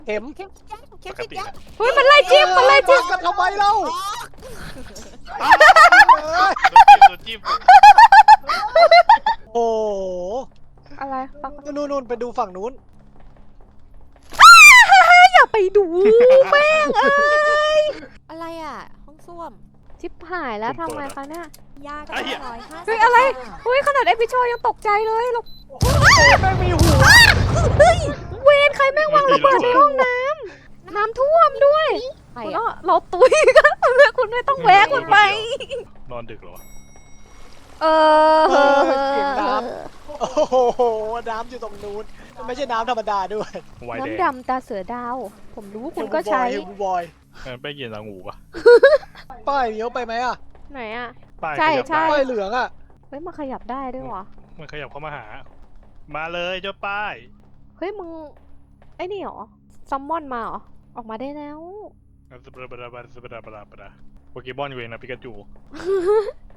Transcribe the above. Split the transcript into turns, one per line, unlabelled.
เข็ม
เข็มฉีดยาเข็ม
ปก
ฉีด
ติ
ยา
นะ
เฮ้ยมันไล่จิ้มมันไล่จิ้ม
กันทำไมเล่า
โดนจิ้ม
โอ้โห
อะไรฟัง
นู่นไปดูฝั่งนู้น
อย่าไปดูแม่งเอ้ย
อะไรอ่ะห้องส้วม
ชิบหายแล้วทำไงคะเนี่ย
ยาก็150
เฮ้ยอะไรเฮ้ยขนาดไอพี่โชยังตกใจเลยเรา
แม่งมีหัว
เฮ้ยเวรใครแม่งวางระเบิดในห้องน้ำน้ำท่วมด้วย
ใคร
คุณอ้อ
อ่ะ
เราตุยกันคุณไม่ต้องแวะคุณไป
นอนดึกเหรอวะ
เออ
เสียงน้ำโอ้โหน้ำอยู่ตรงนู้นไม่ใช่น้ำธรรมดาด้วย
ไวน์แดง
น้ำดำตาเสือดาว ผมรู้คุณก็ใช้
เฮลบอย
ไปเย็นละงูปะ
ป้ายเลี้ยวไปไหมอ่ะ
ไหนอ่ะ
ป้าย
ใช่
ขยับ
ใช่
ได้
ป้ายเหลืองอ่ะ
เฮ้ยมันขยับได้ด้วยวะ
มันขยับเข้ามาหา มาเลยเจ้าป้าย
เฮ้ยมึงไอ้นี่เหรอซัมมอนมาเหรอออกมาได้แล้ว
สบราบราบราบราบราบราโปเกมอนอยู่เองนะปิกาจู